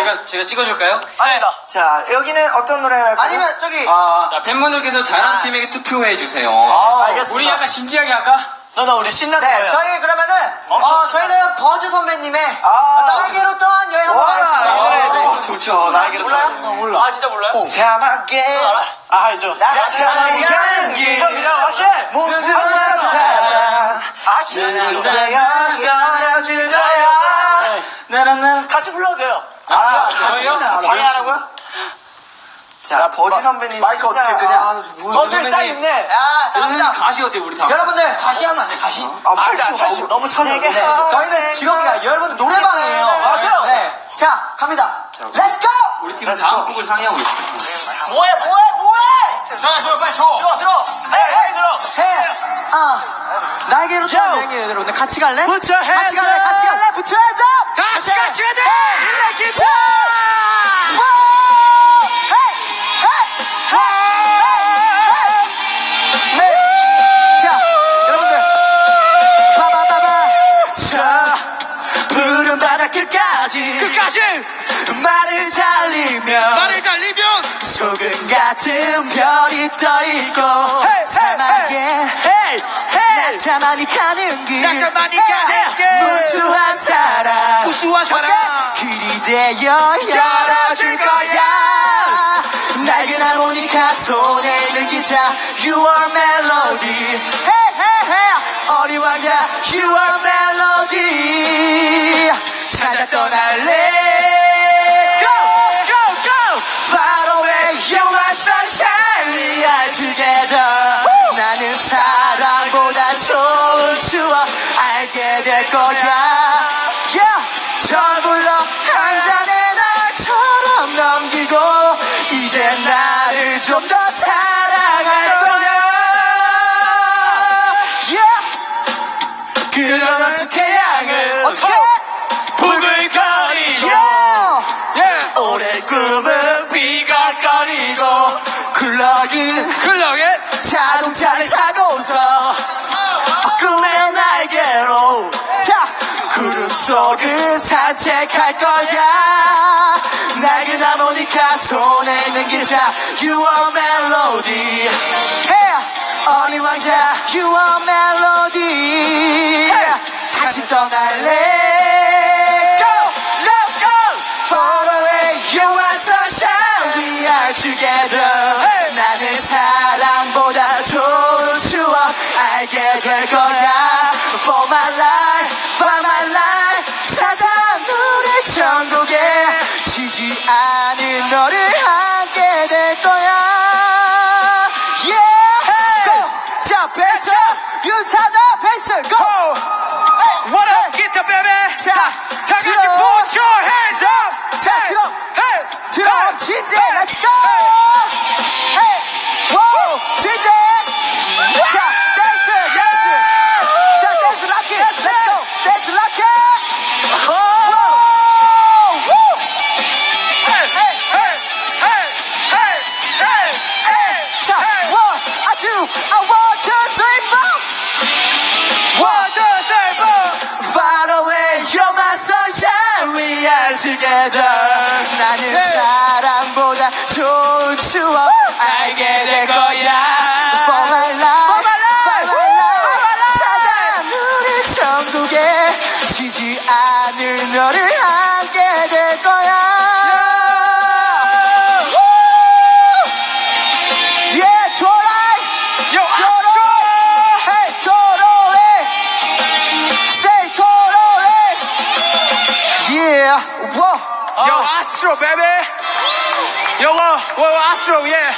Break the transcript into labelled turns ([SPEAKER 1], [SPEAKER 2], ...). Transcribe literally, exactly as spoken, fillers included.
[SPEAKER 1] 제가 제가 찍어줄까요?
[SPEAKER 2] 아니다.
[SPEAKER 3] 자, 여기는 어떤 노래 할까요?
[SPEAKER 2] 아니면 저기.
[SPEAKER 1] 아, 자, 팬분들께서 잘한
[SPEAKER 3] 아.
[SPEAKER 1] 팀에게 투표해 주세요.
[SPEAKER 2] 아, 알겠습니다.
[SPEAKER 1] 우리 약간 진지하게 할까?
[SPEAKER 2] 너나 우리 신난
[SPEAKER 3] 네,
[SPEAKER 2] 거예요.
[SPEAKER 3] 저희 그러면은
[SPEAKER 2] 엄청
[SPEAKER 3] 어,
[SPEAKER 2] 신나.
[SPEAKER 3] 저희는 버즈 선배님의
[SPEAKER 2] 아.
[SPEAKER 3] 나에게로 떠난 여행 한번
[SPEAKER 2] 와,
[SPEAKER 3] 가겠습니다.
[SPEAKER 2] 이 노래,
[SPEAKER 3] 어,
[SPEAKER 2] 네.
[SPEAKER 3] 좋죠. 나에게로
[SPEAKER 2] 몰라요?
[SPEAKER 3] 떠난 여행.
[SPEAKER 2] 몰라. 아, 진짜 몰라요?
[SPEAKER 3] 사막에
[SPEAKER 2] 아, 알죠.
[SPEAKER 3] 나타나니 가는 길
[SPEAKER 2] 그냥 맞게.
[SPEAKER 3] 무슨 사랑
[SPEAKER 2] 아, 진짜.
[SPEAKER 3] 내가 열어줄 거야.
[SPEAKER 1] 나나나.
[SPEAKER 2] 같이 불러도 돼요.
[SPEAKER 3] 아,
[SPEAKER 1] 저희요?
[SPEAKER 3] 방해하라고요? 자, 버즈 선배님
[SPEAKER 2] 마이크
[SPEAKER 3] 진짜-
[SPEAKER 2] 어떻게 그냥.
[SPEAKER 3] 아,
[SPEAKER 2] 어, 저기 딱 있네.
[SPEAKER 3] 야, 자,
[SPEAKER 1] 저는
[SPEAKER 3] 갑니다.
[SPEAKER 1] 가시 어때 우리 다?
[SPEAKER 3] 여러분들
[SPEAKER 1] 가시 하면 안 돼? 가시?
[SPEAKER 3] 아, 팔주,
[SPEAKER 2] 아,
[SPEAKER 3] 팔주.
[SPEAKER 2] 너무 쳐져.
[SPEAKER 3] 내게
[SPEAKER 2] 네.
[SPEAKER 3] 저희는 지금이가 여러분 노래방이에요.
[SPEAKER 2] 맞아요.
[SPEAKER 3] 네. 자, 갑니다. Let's go!
[SPEAKER 1] 우리 팀은 다음 곡을 상의하고 있어요.
[SPEAKER 2] 뭐해, 뭐해, 뭐해!
[SPEAKER 1] 자, 저 빨리 줘.
[SPEAKER 2] 들어, 들어. 헤이, 헤이, 들어.
[SPEAKER 3] 해! 아, 나에게로 떠난
[SPEAKER 2] Yo.
[SPEAKER 3] 여행이에요, 여러분들. 같이 갈래?
[SPEAKER 2] Put your hands
[SPEAKER 3] 같이 갈래?
[SPEAKER 2] up.
[SPEAKER 3] 같이 갈래? Put your hands up!
[SPEAKER 1] 같이 같이 가자.
[SPEAKER 2] 일렉 기타!
[SPEAKER 3] 자, 여러분들. 바바바바. 자, 푸른 바닷길까지.
[SPEAKER 1] 끝까지.
[SPEAKER 3] 말을 달리면.
[SPEAKER 1] 말을 달리면.
[SPEAKER 3] 소금 같은 별이 떠있고.
[SPEAKER 2] Hey,
[SPEAKER 3] 사막에.
[SPEAKER 2] 헤이, 헤이!
[SPEAKER 3] 나타만이 가는 길.
[SPEAKER 1] 나타만이 가는 길.
[SPEAKER 3] 무수한 사랑.
[SPEAKER 1] 무수한 사랑.
[SPEAKER 3] 길이 되어 열어줄 거야. 낡은 하모니카 손에 있는 기타 You are melody hey, hey, hey. 어린 왕자 You are melody 찾아 떠날래
[SPEAKER 2] Go, go, go!
[SPEAKER 3] Far away You're my sunshine We are together Woo. 나는 사랑보다 좋은 추억 알게 될 거야 yeah. 저불러 한 잔의 날처럼 넘기고 이제 나를 좀 더 사랑할 거야 yeah. 그러던 태양은
[SPEAKER 2] 어떻게?
[SPEAKER 3] 부글거리고
[SPEAKER 2] 예!
[SPEAKER 3] 오랜 꿈은 비가 거리고 굴러긴
[SPEAKER 1] 클럭에.
[SPEAKER 3] 자동차를 타고서 꿈의 날개로 자 구름 속을 산책할 거야 낡은 하모니카 손에 있는 기타 You are melody hey, 어린 왕자 You are melody hey, 같이 떠날래 Go let's go Far away You are sunshine We are together hey. 나는 사랑보다 좋은 추억 알게 될 거야 For my life For my life 찾아 우리 천국에 지지 않을 너를 함께 될 거야 Yeah Go 자 베이스 윤사다 베이스 Go
[SPEAKER 2] What up, 기타 baby?
[SPEAKER 3] 자
[SPEAKER 2] 다 같이
[SPEAKER 3] 들어.
[SPEAKER 2] put your hands up!
[SPEAKER 3] 자 들어
[SPEAKER 2] Hey!
[SPEAKER 3] 들어
[SPEAKER 2] Hey!
[SPEAKER 3] 진재
[SPEAKER 2] Hey!
[SPEAKER 3] Let's go Hey Wow 진재 자 댄스 댄스 자 댄스 락키 Let's go 댄스 락키
[SPEAKER 2] Hey! Hey! Hey! Hey! Hey! Hey! Hey!
[SPEAKER 3] 자 one I do I want to three four
[SPEAKER 2] One, two, three, four!
[SPEAKER 3] Far away you're my sunshine We are together 나는
[SPEAKER 2] 네.
[SPEAKER 3] 사랑보다 좋은 추억 알게 될 거야 For my life
[SPEAKER 2] For my life.
[SPEAKER 3] For my life 찾아 우리 천국에 지지 않을 너를 함께 될 거야 Yeah, 도라이
[SPEAKER 2] Yo,
[SPEAKER 3] 도로에 Hey, 도로에 Say 도로에 Yeah, whoa
[SPEAKER 2] Yo, Astro, baby! Yo, whoa, whoa, Astro, yeah!